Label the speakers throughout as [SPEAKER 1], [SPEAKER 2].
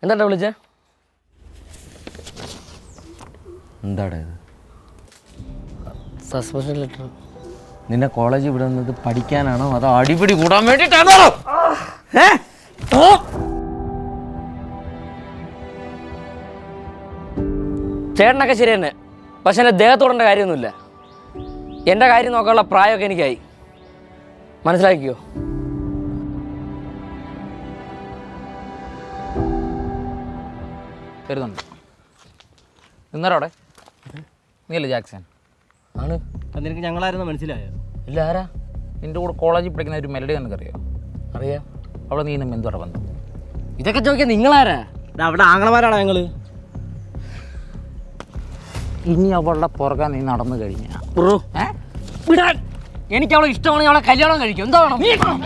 [SPEAKER 1] എന്താ വിളിച്ചേ?
[SPEAKER 2] എന്താടാ ഇത്?
[SPEAKER 1] Suspension letter.
[SPEAKER 2] നിന്നെ കോളേജിൽ വിടുന്നത് പഠിക്കാനാണോ അതോ അടിപിടി കൂടാൻ വേണ്ടിയിട്ടാണോ?
[SPEAKER 1] ചേട്ടനൊക്കെ ശരി തന്നെ, പക്ഷെ എൻ്റെ ദേഹത്തോടേണ്ട കാര്യമൊന്നുമില്ല. എൻ്റെ കാര്യം നോക്കാനുള്ള പ്രായമൊക്കെ എനിക്കായി, മനസ്സിലാക്കിയോ?
[SPEAKER 3] വരുന്നുണ്ട്. നിന്നോടെ നീയല്ലേ ജാക്സൺ?
[SPEAKER 1] ആണ്.
[SPEAKER 4] നിനക്ക് ഞങ്ങളായിരുന്നു മനസ്സിലായോ?
[SPEAKER 1] ഇല്ല, ആരാ?
[SPEAKER 3] നിൻ്റെ കൂടെ കോളേജിൽ പഠിക്കുന്ന ഒരു മെലഡി നിനക്കറിയോ?
[SPEAKER 1] അറിയാം.
[SPEAKER 3] അവിടെ നീ ഇന്നും എന്തുവാ ബന്ധം?
[SPEAKER 1] ഇതൊക്കെ ചോദിക്കാൻ നിങ്ങളാരാ?
[SPEAKER 4] അവിടെ ആങ്ങളമാരാണോ ഞങ്ങൾ?
[SPEAKER 3] ഇനി അവളുടെ പുറകെ നീ നടന്നു കഴിഞ്ഞ
[SPEAKER 1] ബ്രോ വിടാൻ. എനിക്ക് അവളെ ഇഷ്ടമാണെങ്കിൽ അവളെ കല്യാണം കഴിക്കും. എന്താ വേണം?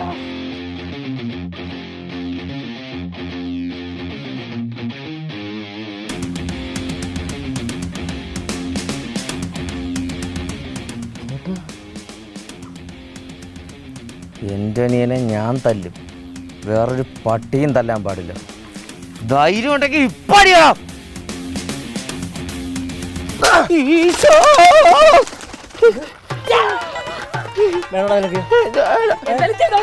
[SPEAKER 2] എൻ്റെ അനിയനെ ഞാൻ തല്ലും, വേറൊരു പട്ടിയും തല്ലാൻ പാടില്ല. ധൈര്യം ഉണ്ടെങ്കിൽ ഇപ്പടിയാ.
[SPEAKER 4] വേണോടാ നിനക്ക്?